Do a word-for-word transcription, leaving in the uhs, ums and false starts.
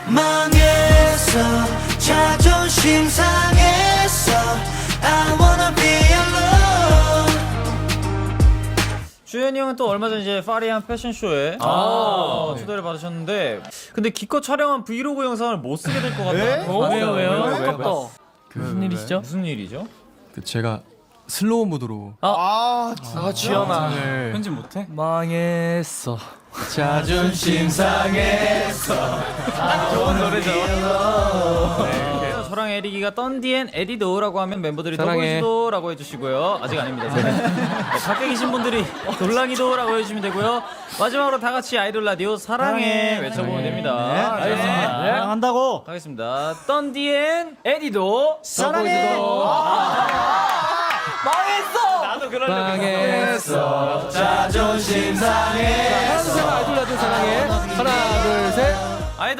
망했어 자존심 상했어 I wanna be alone. 주현이 형은 또 얼마 전 이제 파리한 패션쇼에 아, 어, 네. 초대를 받으셨는데 근데 기껏 촬영한 브이로그 영상을 못 쓰게 될 것 같다. 어? 왜요 왜요? 왜, 왜, 왜? 그, 무슨 일이시죠? 무슨 일이죠? 그 제가 슬로우 모드로 아, 아, 지연아 네. 편집 못해? 망했어 자존심 상했어. 좋은 노래죠. 네. 저랑 에릭이가 던디앤 에디도라고 하면 멤버들이 사랑해. 더보이즈도라고 해주시고요. 아직 아닙니다. 네. 밖에 계신 분들이 돌랑이도라고 해주시면 되고요. 마지막으로 다 같이 아이돌 라디오 사랑해, 사랑해. 외쳐보면 네. 됩니다. 네. 알겠습니다. 네. 한다고. 가겠습니다. 던디앤 에디도 사랑해. 망했어. 나도 그러려고 망했어 자존심 상해. 항상 아이돌 라디오 사랑해 하나 둘셋